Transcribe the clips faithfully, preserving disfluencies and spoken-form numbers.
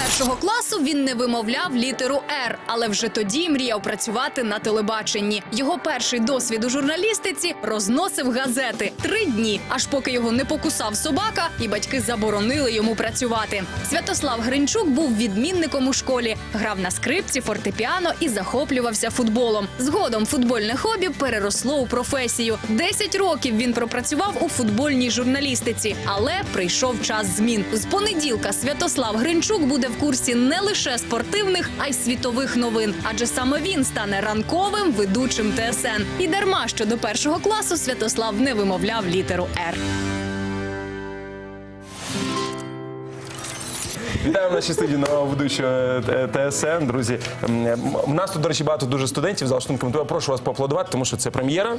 першого класу він не вимовляв літеру «Р», але вже тоді мріяв працювати на телебаченні. Його перший досвід у журналістиці – розносив газети. Три дні, аж поки його не покусав собака і батьки заборонили йому працювати. Святослав Гринчук був відмінником у школі, грав на скрипці, фортепіано і захоплювався футболом. Згодом футбольне хобі переросло у професію. Десять років він пропрацював у футбольній журналістиці, але прийшов час змін. З понеділка Святослав Гринчук буде в курсі не лише спортивних, а й світових новин. Адже саме він стане ранковим ведучим Т С Н. І дарма, що до першого класу Святослав не вимовляв літеру «Р». Вітаю в нашій студії нового ведучого Т С Н, друзі. У нас тут, до речі, багато дуже студентів, за що коментую. Прошу вас поаплодувати, тому що це прем'єра.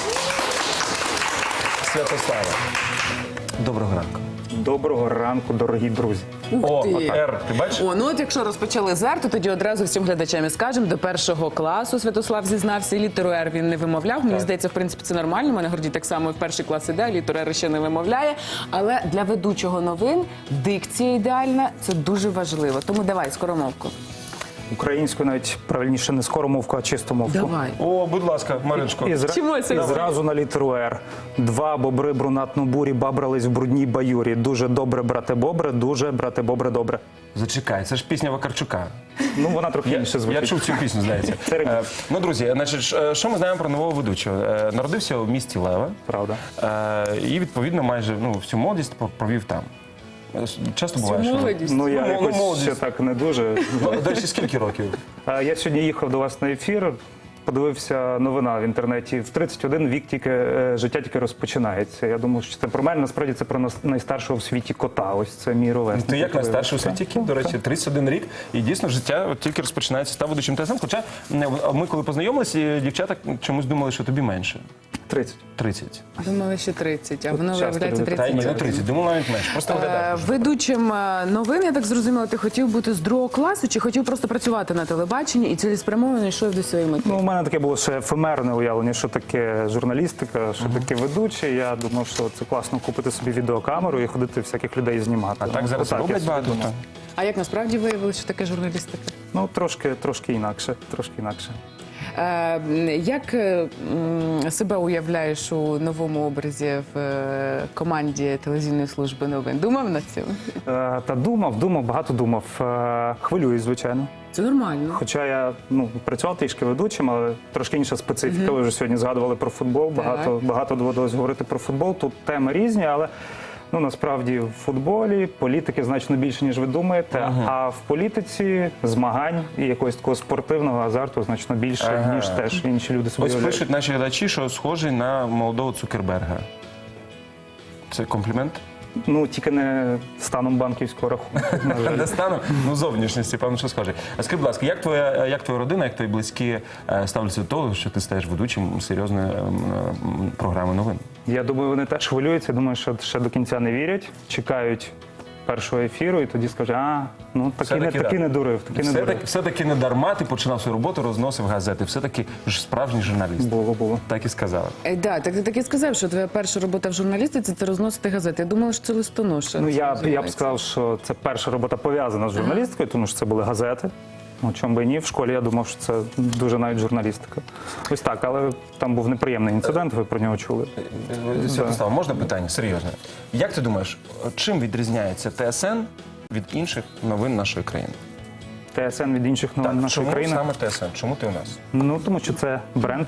Святослава. Доброго ранку. Доброго ранку, дорогі друзі. О, ти. Р, ти бачиш? О, ну от якщо розпочали з «Р», то тоді одразу всім глядачам і скажемо, до першого класу Святослав зізнався, літеру «Р» він не вимовляв. Мені здається, в принципі, це нормально. У мене Гордій так само в перший клас іде, літеру «Р» ще не вимовляє. Але для ведучого новин дикція ідеальна – це дуже важливо. Тому давай, скоромовку. Українською навіть правильніше не скоромовку, а чистомовку. Давай. О, будь ласка, Мариночко. І, зра... Вчимося. і зразу на літеру «Р». Два бобри брунатну бурі бабрались в брудній баюрі. Дуже добре, брате бобре, дуже, брате бобре, добре. Зачекай, це ж пісня Вакарчука. Ну, вона трохи Я, інше звучить. я чув цю пісню, здається. Це ремікс. Е, ну, друзі, значить, е, що ми знаємо про нового ведучого? Е, Народився у місті Лева. Правда. Е, і, відповідно, майже ну, всю молодість провів там. Е, Часто буває, що... молодість. Ну, я Ну, якось молодість. ще так не дуже. Ну, до речі, скільки років? А Я сьогодні їхав до вас на ефір, подивився новина в інтернеті. В тридцять один вік тільки е, життя тільки розпочинається. Я думаю, що це про мене, насправді це про нас- найстаршого в світі кота. Ось це мій ровесник. Ти як найстарший у Так. світі кіт, до речі, тридцять один рік. І дійсно життя от тільки розпочинається, став ведучим Т С Н. Хоча не, ми коли познайомилися, дівчата чомусь думали, що тобі менше. тридцять. тридцять. Думали, що тридцять, а воно часто виявляється люди Та й ні, не тридцять. тридцять. Думав навіть менше. Просто Е, виглядаєш. Ведучим е, новин, я так зрозуміла, ти хотів бути з другого класу чи хотів просто працювати на телебаченні і цілеспрямовано йшов до своєї мети? Ну, у мене таке було ще ефемерне уявлення, що таке журналістика, що таке ведучий. Я думав, що це класно купити собі відеокамеру і ходити всяких людей знімати. А так зараз Отак я роблять собі багато. думав. А як насправді виявилося, що таке журналістика? Ну, трошки, трошки інакше, трошки інакше. Е, як е, м, себе уявляєш у новому образі в е, команді телевізійної служби новин? Думав над цим? Е, Та думав, думав, багато думав. Е, Хвилююсь, звичайно. Це нормально. Хоча я ну, працював трішки ведучим, але трошки інша специфіка. Ви вже сьогодні згадували про футбол. Багато, багато доводилось говорити про футбол. Тут теми різні, але ну, насправді в футболі політики значно більше, ніж ви думаєте. Ага. А в політиці змагань і якогось такого спортивного азарту значно більше, Ага. ніж теж інші люди собі Ось уявляють. пишуть наші глядачі, що схожий на молодого Цукерберга. Це комплімент? Ну, тільки не станом банківського рахунку. на жаль. Не стану? Ну, зовнішності, певно, що схожий. А скажи, будь ласка, як твоя, як твоя родина, як твої близькі е, ставляться до того, що ти стаєш ведучим серйозної ем, ем, програми новин? Я думаю, вони теж хвилюються. Думаю, що ще до кінця не вірять. Чекають першого ефіру і тоді скажуть, а, ну таки не, Все-таки, таки да. не дурив, таки не Все-таки, дурив. все-таки не дарма ти починав свою роботу, розносив газети. Все-таки ж справжній журналіст. Було, було. Так і сказали. Е, да, так ти так і сказав, що твоя перша робота в журналістиці – це розносити газети. Я думала, що це листоноша. Ну, я, б- я б називається. сказав, що це перша робота пов'язана з журналістикою, тому що це були газети. Ну, чому би і ні, в школі я думав, що це дуже навіть журналістика. Ось так, але там був неприємний інцидент, ви про нього чули. Святослав, можна питання? Серйозне. Як ти думаєш, чим відрізняється Т С Н від інших новин нашої країни? Т С Н від інших новин Так, нашої чому країни. саме Т С Н? Чому ти у нас? Ну, тому що це бренд,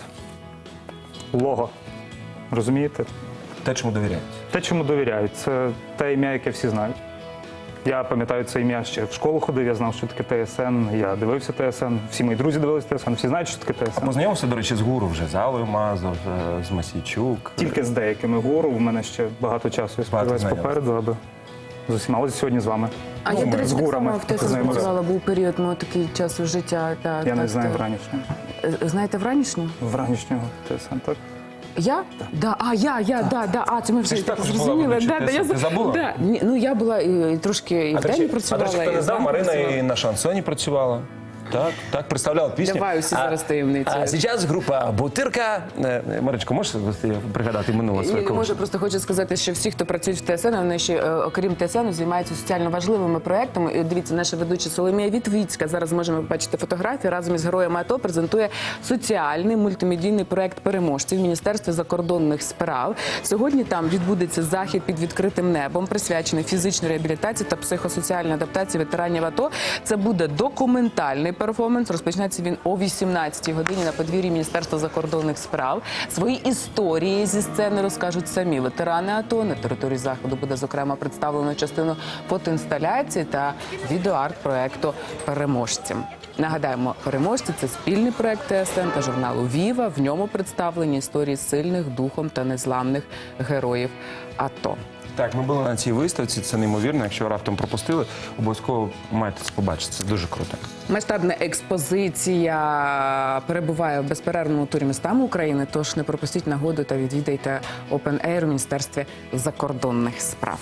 лого. Розумієте? Те, чому довіряють? Те, чому довіряють, це те ім'я, яке всі знають. Я пам'ятаю це ім'я ще в школу ходив, я знав, що таке Т С Н, я дивився Т С Н, всі мої друзі дивилися Т С Н, всі знають, що таке Т С Н. Познайомився, до речі, з гуру вже, з Аллою Мазур, е, з Масійчук. Тільки з деякими гуру, в мене ще багато часу, я сподіваюся, знайомих. попереду, аби з усіма. Ось сьогодні з вами. А я, до речі, з так гурами само в ТСН познайомився. працювала, був період мого такий часу життя. Так, Я так, не знаю так. вранішнього. Е, Знаєте вранішню? Вранішнього Т С Н, так? Я? Да. А, я, я, да, да. А, це ми вже ж також була зрозуміли. ведучою Да, да, я Т С Н. Ти за- забула? Да. Ні, ну, я була і, і трошки і А в до день речі, а, до працювала, речі, хто і не знав, зранку Марина працювала. і на шансоні працювала. Так, так, представлял пісню. Давай усі зараз таємниці. А зараз група Бутирка. Е, Маричко, можеш пригадати минуле своє І, коло? може, просто хочу сказати, що всі, хто працюють в ТСН, вони ще, е, окрім ТСН, займаються соціально важливими проектами. І дивіться, наша ведуча Соломія Вітвіцька, зараз можемо побачити фотографії, разом із героями АТО презентує соціальний мультимедійний проект переможців в Міністерстві закордонних справ. Сьогодні там відбудеться захід під відкритим небом, присвячений фізичній реабілітації та психосоціальній адаптації ветеранів АТО. Це буде документальний перформанс. Розпочнеться він о вісімнадцятій годині на подвір'ї Міністерства закордонних справ. Свої історії зі сцени розкажуть самі ветерани АТО. На території заходу буде, зокрема, представлено частину фотоінсталяції та відеоарт проекту «Переможці». Нагадаємо, «Переможці» – це спільний проект ТСН та журналу «Віва». В ньому представлені історії сильних духом та незламних героїв АТО. Так, ми були на цій виставці, це неймовірно. Якщо раптом пропустили, обов'язково маєте це побачити. Це дуже круто. Масштабна експозиція перебуває в безперервному турі містами України, тож не пропустіть нагоду та відвідайте Open Air у Міністерстві закордонних справ.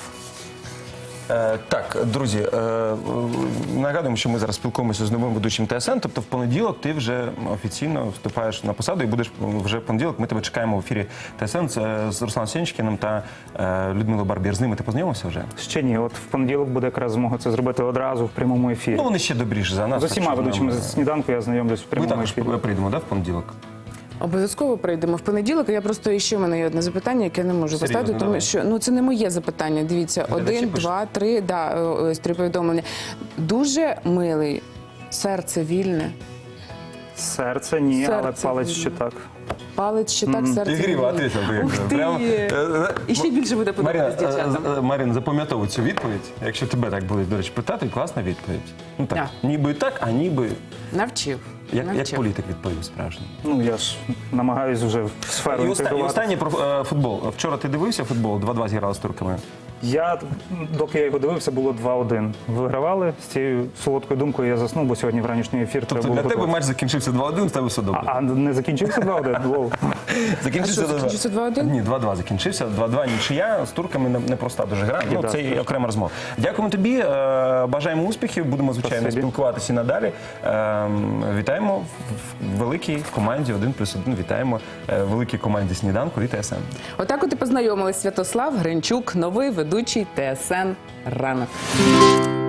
Е, так, друзі, е, нагадуємо, що ми зараз спілкуємося з новим ведучим ТСН, тобто в понеділок ти вже офіційно вступаєш на посаду і будеш вже в понеділок. Ми тебе чекаємо в ефірі ТСН з, з Русланом Сенчкіним та е, Людмилою Барбір. З ними ти познайомився вже? Ще ні, от в понеділок буде якраз змога це зробити одразу в прямому ефірі. Ну, вони ще добріше за нас. З усіма так що ведучими нам- з сніданку я знайомлюсь в Ми прямому також ефірі. прийдемо, да, в понеділок? Обов'язково прийдемо в понеділок. Я просто ще в мене є одне запитання, яке я не можу Серйозно, поставити, тому давай. що ну це не моє запитання. Дивіться, Глядачі один, пишуть. два, три, да, ось три повідомлення. Дуже милий, серце вільне, Серце ні, але Серце палець вільне. ще так. палець ще так, серце Ігріво вільне. ответил. Ти, Ух ти! прямо, е, е, І ще більше буде Марина, подобатися дівчатам. е, е, Марина, запам'ятовуй цю відповідь. Якщо тебе так будуть, до речі, питати, класна відповідь. Ну так, Да. ніби так, а ніби Навчив. як, як навчив. політик відповів справжній. Ну я ж намагаюсь вже в сферу І останнє, і інтегрувати. останнє про е, футбол. Вчора ти дивився футбол? два-два зіграли з турками. Я, доки я його дивився, було два-один. Вигравали. З цією солодкою думкою я заснув, бо сьогодні вранішній ефір Тобто треба для було тебе готувати. матч закінчився два-один, в тебе все добре. А не закінчився два-один? Воу. Закінчився А що, закінчився два-один? Ні, два-два закінчився. два-два нічия. З турками не- непроста дуже гра. Ну, да, це і так. окрема розмова. Дякуємо тобі. е, Бажаємо успіхів. Будемо, звичайно, Спасибі. спілкуватися і надалі. Е, Вітаємо в в великій команді один плюс один. Вітаємо е, в великій команді «Сніданку» і ТСН. Отак от і познайомились Святослав Гринчук, новий ведучий ТСН «Ранок».